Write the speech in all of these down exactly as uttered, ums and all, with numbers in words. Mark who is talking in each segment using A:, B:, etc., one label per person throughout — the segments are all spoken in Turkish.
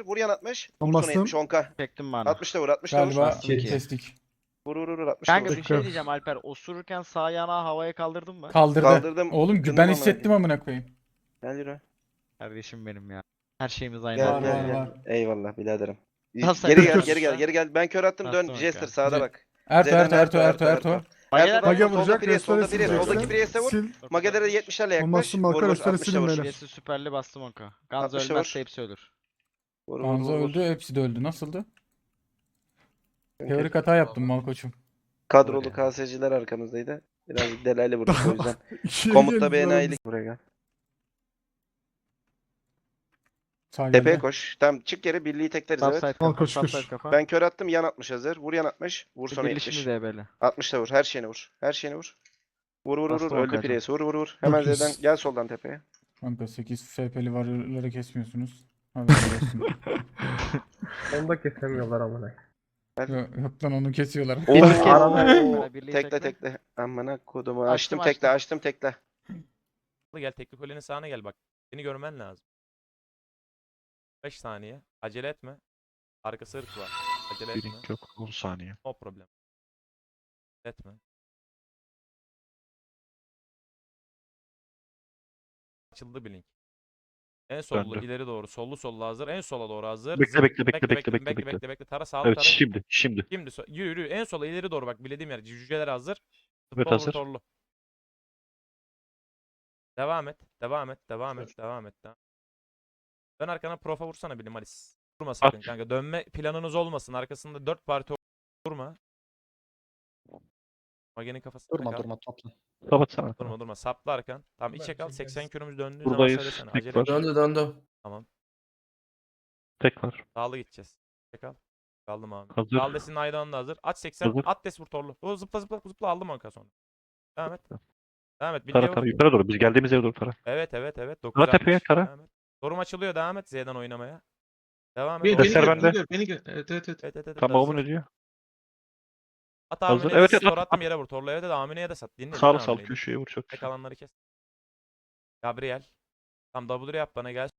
A: Vur yan altmış. Vur
B: Ben
A: sonra
B: bastım.
A: yetmiş on K.
C: Çektim bana.
A: altmış da vur altmış da vur.
B: Galiba
C: Bastım ki.
B: kestik.
A: Vur vur vur altmış da
C: Kanka
A: vur.
C: bir şey diyeceğim Alper. Osururken sağ yanağı havaya kaldırdın mı?
B: Kaldırdı.
A: Kaldırdım,
B: Oğlum
A: ıkındım
B: ben
A: amına
B: hissettim
A: koyayım.
B: amına koyayım.
A: Gel yürü.
C: Kardeşim benim ya. Her şeyimiz aynı.
A: Gel
B: Var,
A: gel
B: var,
A: gel.
B: var.
A: Eyvallah biraderim.
C: Nasıl
A: Geri gel
C: yapıyorsun
A: geri gel
C: sen?
A: geri gel. Ben kör attım dön.
C: Nasıl
A: Jester
C: bakar?
A: sağda
B: Ce-
A: bak.
B: Erto
A: Z'den
B: Erto Erto Erto Erto.
C: Mageler
A: Erto'dan
B: Mage
A: vur, solda
B: vuracak.
A: Priye, solda
B: Restore
A: Priye, soldaki
B: sileceksin.
A: Priye'se vur.
B: Sil.
A: Magelere yetmişlerle yaklaş.
B: Olmazsın
A: Vur
B: Marka,
A: vur
B: restore
A: altmışa
B: silin
A: vur.
B: beyler.
C: Jesse süperli bastım onka. Ganzo
A: altmışa
C: ölmezse
A: vur.
C: hepsi ölür.
A: Vur vur
B: Gamze
A: vur. vur.
B: öldü. Hepsi de öldü. Nasıldı?
A: Çünkü
B: Teorik hata yaptım Malkoç'um.
A: kadrolu
C: Öyle.
A: K S'ciler arkamızdaydı. Birazcık delaylı vurduk o yüzden.
B: İkiye
A: Komutta
B: geldi
A: bir
B: lan.
A: enayilik. Buraya gel.
B: Sağ
A: Tepeye
B: geldi.
A: koş. Tamam çık geri birliği tekleriz evet.
C: Subside
B: Al,
C: kafa.
B: koş, koş.
C: Subside kafa.
A: Ben kör attım yan altmış hazır. Vur yan altmış. Vur sonra
C: Birleşimi
A: yetmiş.
C: de böyle.
A: altmış da vur. Her şeyini vur. Her şeyini vur. Vur vur vur.
C: Bastım
A: vur.
C: o
A: Öldü
C: kaçan.
A: Prius. Vur vur vur. Hemen
B: Dokuz.
A: Z'den gel soldan tepeye.
B: Kanka sekiz F P'li varyoları kesmiyorsunuz. Haberiniz olsun.
D: Onu da kesemiyorlar amına.
B: Yok, yok lan onu kesiyorlar.
A: Oo.
C: Birliği kes.
D: arada-
C: Bana birliği
A: Tekle tekle. Amına kodumu.
C: Açtım,
A: Açtım tekle açtım tekle.
E: Gel tekli kulenin sağına gel bak. Seni görmen lazım. beş saniye. Acele etme. Arkası ırk var. Acele etme.
F: Blink yok. on saniye.
E: No problem. Etme. Açıldı blink. En sollu
F: Döndü.
E: ileri doğru. Sollu sollu hazır. En sola doğru hazır.
F: Bekle,
E: Zıp.
F: bekle, bekle, bekle, bekle,
E: bekle,
F: bekle.
E: bekle, bekle. Tara sağlı
F: Evet
E: tara.
F: şimdi. Şimdi.
E: Şimdi so- yürü yürü. En sola ileri doğru bak. Bilediğim yer. Cüceler hazır.
F: Evet,
E: Futbol
F: hazır.
E: rotorlu. Devam et. Devam et. Devam et. Devam et. Devam. Dön arkana profa vursana bilim Alice. Durma sakın
F: At.
E: kanka. Dönme planınız olmasın. Arkasında dört parti durma. Mage'nin kafasına
G: Durma
E: kal.
G: durma topla.
F: Kapatsana.
E: Durma durma. Sapla arkan. Tamam içe kal. seksen kürümüz döndüğü zaman
F: Buradayız.
E: söylesene.
F: Tek
E: Acele
F: var.
E: etme.
G: Döndü döndü.
E: Tamam.
F: Tek var.
E: Dağlı gideceğiz. İçe kal. Kaldım abi.
F: Hazır.
E: Dağlı desin Aydan'ın da hazır. At seksen.
F: Hazır.
E: At des vur torlu. O zıpla zıpla zıpla aldım onka sonra. Devam et. Devam et.
F: Tara
E: Birliğe
F: tara.
E: vur.
F: Yukarı doğru. Biz geldiğimiz yere doğru tara.
E: Evet evet evet.
F: Tara tepeye,
E: dokuz altmış.
F: tara.
E: Devam et. Sorum açılıyor. Devam et Z'den oynamaya. Devam et.
H: Beni,
E: Orada-
H: beni
F: Deser
H: gör,
F: bende.
H: beni gör, beni gör. Evet evet evet.
E: Evet evet evet.
F: Tamam
E: hazır.
F: babamın ödüyor.
E: At
F: Hazır.
E: Amine'ye
F: Evet,
E: de
F: evet,
E: store
F: at,
E: attım
F: at.
E: yere vur. Torlu evet de Amine'ye de sat. Dinle.
F: Sağlı
E: dinle
F: sağ
E: Amine'yi.
F: köşeye vur çok
E: Tek
F: güzel.
E: alanları kes. Gabriel. Tam W yap bana gel.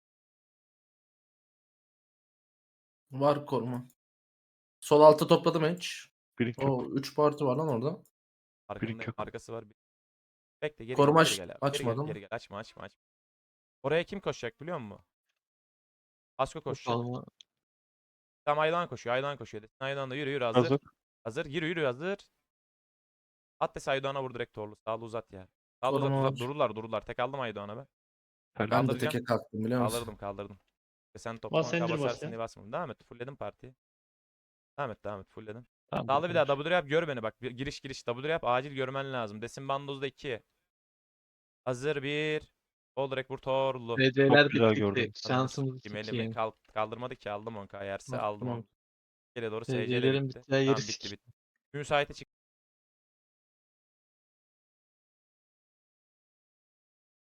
G: Var koruma. Sol alta topladım hiç.
F: Blink yok.
G: O üç parti var lan orada.
E: Arkında,
F: yok.
E: arkası var. Bekle geri
G: Koruma
E: gel, geri
G: aç-
E: gel abi. Geri gel,
G: açmadım.
E: geri gel. Açma açma açma. Oraya kim koşacak biliyor musun? Asko koşacak.
H: Alma.
E: Tam Aydan koşuyor. Aydan koşuyor. Desin Aydan da yürü yürü hazır.
F: Hazır.
E: Hazır. Yürü yürü hazır. At des Aydoğan'a vur direkt torlu. Sağlı uzat ya. Sağlı uzat
G: Koruma
E: uzat.
G: var.
E: Dururlar dururlar. Tek aldım Aydoğan'a ben.
G: Ben de
E: Kaldıracağım.
G: teke kalktım biliyor musun?
E: Kaldırdım kaldırdım. E sen topla
H: Bas,
E: banka
H: zincir bas
E: basarsın
H: ya.
E: diye basmadım. Devam et. Fullledim partiyi. Devam et devam et. Fullledim.
F: Tamam.
E: Sağlı bir daha W yap gör beni bak. Bir- Giriş giriş W yap acil görmen lazım. Desin bandozda iki. Hazır bir. Sol direkt vur torlu.
H: D C'ler
F: Çok güzel
H: bitti.
F: gördün.
H: Şansımızı
E: Kim elimi
H: sikeyim.
E: kal kaldırmadı ki aldım on K yerse
G: Bak,
E: aldım
G: tamam.
E: onu. Geriye doğru S C
H: D C'lerin
E: bitti.
H: bittiği yeri
E: Tamam bitti
H: sikeyim.
E: bitti. Müsaite çık.